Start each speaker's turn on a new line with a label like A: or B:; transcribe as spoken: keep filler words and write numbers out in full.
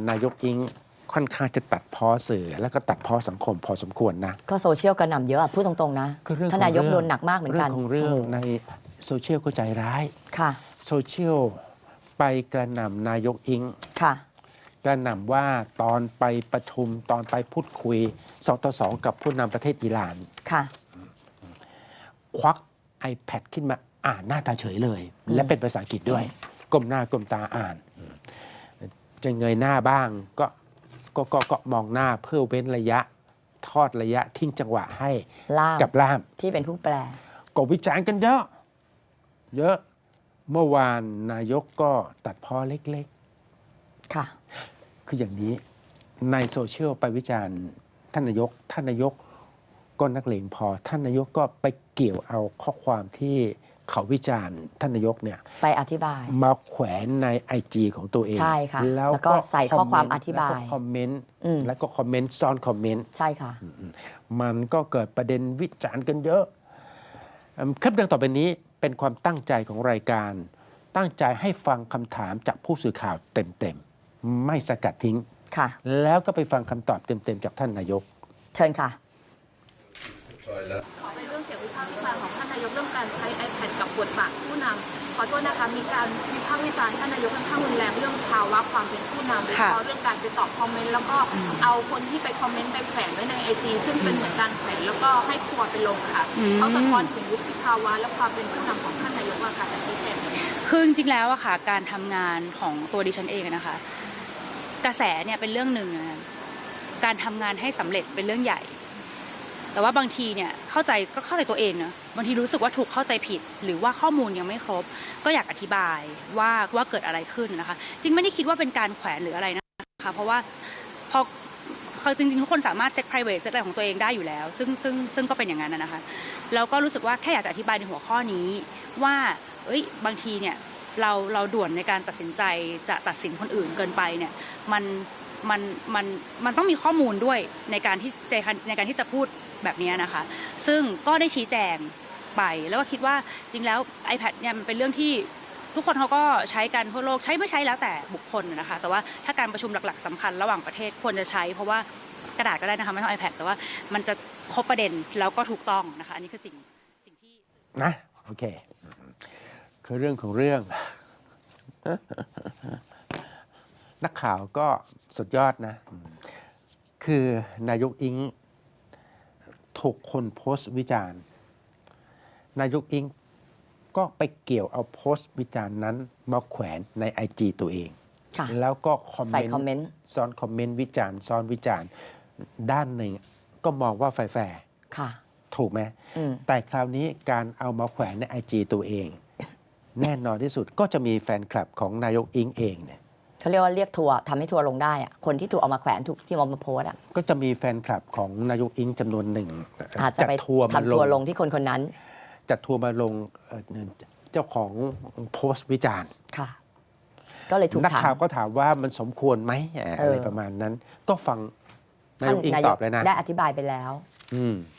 A: นายกอิงค่อนข้างจะตัดพ้อสื่อแล้วก็ตัดพ้อสังคมพอสมควรนะ
B: ก็โซเชียลกระหน่ำเยอะพูดตรงๆนะท่านนายกโดนหนักมากเหมือนกัน
A: เรื่องของเรื่องในโซเชียลก็ใจร้าย
B: ค่ะ
A: โซเชียลไปกระหน่ำนายกอิง
B: ค่ะ
A: กระหน่ำว่าตอนไปประชุมตอนไปพูดคุยสองต่อสองกับผู้นำประเทศอิหร่าน
B: ค่ะ
A: ควัก iPad ขึ้นมาอ่านหน้าตาเฉยเลย และเป็นภาษาอังกฤษด้วยก้มหน้าก้มตาอ่านจะเงยหน้าบ้างก็ก็ก็ก็มองหน้าเพื่อเว้นระยะทอดระยะทิ้งจังหวะให้กับล่าม
B: ที่เป็นผู้แปล
A: ก็วิจารณ์กันเยอะเยอะเมื่อวานนายกก็ตัดพ้อเล็ก
B: ๆค่ะ
A: คืออย่างนี้ในโซเชียลไปวิจารณ์ท่านนายกท่านนายกก็นักเลงพอท่านนายกก็ไปเกี่ยวเอาข้อความที่เขาวิจารณ์ท่านนายกเนี่ย
B: ไปอธิบาย
A: มาแขวนใน ไอ จี ของตัวเอง
B: ใช่ค่ะ
A: แล้ว
B: ก็ใส่ข้อความอธิบาย
A: คอมเมนต์แล้วก็คอมเมนต์ซ้อนคอมเมนต์
B: ใช่ค่ะ
A: มันก็เกิดประเด็นวิจารณ์กันเยอะคลิปดังต่อไปนี้เป็นความตั้งใจของรายการตั้งใจให้ฟังคำถามจากผู้สื่อข่าวเต็มๆไม่สกัดทิ้ง
B: ค่ะ
A: แล้วก็ไปฟังคำตอบเต็มๆจากท่านนายก
B: เชิญค่ะ
C: ขอเป็นเรื่องเสียงวิพากษ์วิจารณ์ของท่านนายกเรื่องการใช้ iPad กับบทบาทผู้นำขอโทษนะคะมีการวิพากษ์วิจารณ์ท่านนายกค่อนข้างรุนแรงเรื่องภาวะความเป็นผู้นำโดยเฉพาะเรื่องการไปตอบคอมเมนต์แล้วก็เอาคนที่ไปคอมเมนต์ไปแขวนไว้ในไอจีซึ่งเป็นเหมือนการแขวนแล้วก็ให้ทัวร์ไปลงค่ะเขาสะท้อนถึงวุฒิภาวะและความเป็นผู้นำของท่านนายกว่าการจะชี้แจง
D: คือจริงๆแล้วอะค่ะการทำงานของตัวดิฉันเองนะคะกระแสเนี่ยเป็นเรื่องหนึ่งนะการทำงานให้สำเร็จเป็นเรื่องใหญ่แต่ว่าบางทีเนี่ยเข้าใจก็เข้าใจตัวเองนะบางทีรู้สึกว่าถูกเข้าใจผิดหรือว่าข้อมูลยังไม่ครบก็อยากอธิบายว่าว่าเกิดอะไรขึ้นนะคะจริงไม่ได้คิดว่าเป็นการแขวนหรืออะไรนะคะเพราะว่าพอเขาจริงๆทุกคนสามารถเซต private เซตอะไรของตัวเองได้อยู่แล้วซึ่งซึ่งซึ่งก็เป็นอย่างนั้นนะคะแล้วก็รู้สึกว่าแค่อยากจะอธิบายในหัวข้อนี้ว่าเอ้ยบางทีเนี่ยเราเราด่วนในการตัดสินใจจะตัดสินคนอื่นเกินไปเนี่ยมันมันมันมันต้องมีข้อมูลด้วยในการที่ในการที่จะพูดแบบนี้นะคะซึ่งก็ได้ชี้แจงไปแล้วก็คิดว่าจริงแล้ว iPad เนี่ยมันเป็นเรื่องที่ทุกคนเขาก็ใช้กันทั่วโลกใช้ไม่ใช้แล้วแต่บุคคลนะคะแต่ว่าถ้าการประชุมหลักๆสำคัญระหว่างประเทศควรจะใช้เพราะว่ากระดาษก็ได้นะคะไม่ต้อง iPad แต่ว่ามันจะครบประเด็นแล้วก็ถูกต้องนะคะอันนี้คือสิ่งสิ่งที่
A: นะโอเคคือเรื่องของเรื่อง นักข่าวก็สุดยอดนะคือนายกอิงถูกคนโพสต์วิจารณ์นายกอิงก็ไปเกี่ยวเอาโพสต์วิจารณ์นั้นมาแขวนใน ไอ จี ตัวเองแล้วก็คอมเมนต์ซ้อนคอมเมนต์วิจารณ์ซ้อนวิจารณ์ด้านหนึ่งก็มองว่าแฟร์ถูกไหมแต่คราวนี้การเอามาแขวนใน ไอ จี ตัวเองแน่นอนที่สุดก็จะมีแฟนคลับของนายกอิงเองเนี่ย
B: เขาเรียกว่าเรียกทัวร์ทำให้ทัวร์ลงได้อะคนที่ถูกเอามาแขวนถูกที่เอามาโพสอะ
A: ก็จะมีแฟนคลับของนายกอิงจำนวนหนึ่ง
B: อาจจะไปทำทัวร์ลงที่คนคนนั้น
A: จัดทัวร์มาลงเจ้าของโพสต์วิจารณ์
B: ค่ะก็เลยถูกถาม
A: นักข่าวก็ถามว่ามันสมควรไหมอะไรประมาณนั้นก็ฟังนายกอิงตอบเลยนะ
B: ได้อธิบายไปแล้ว
A: อืม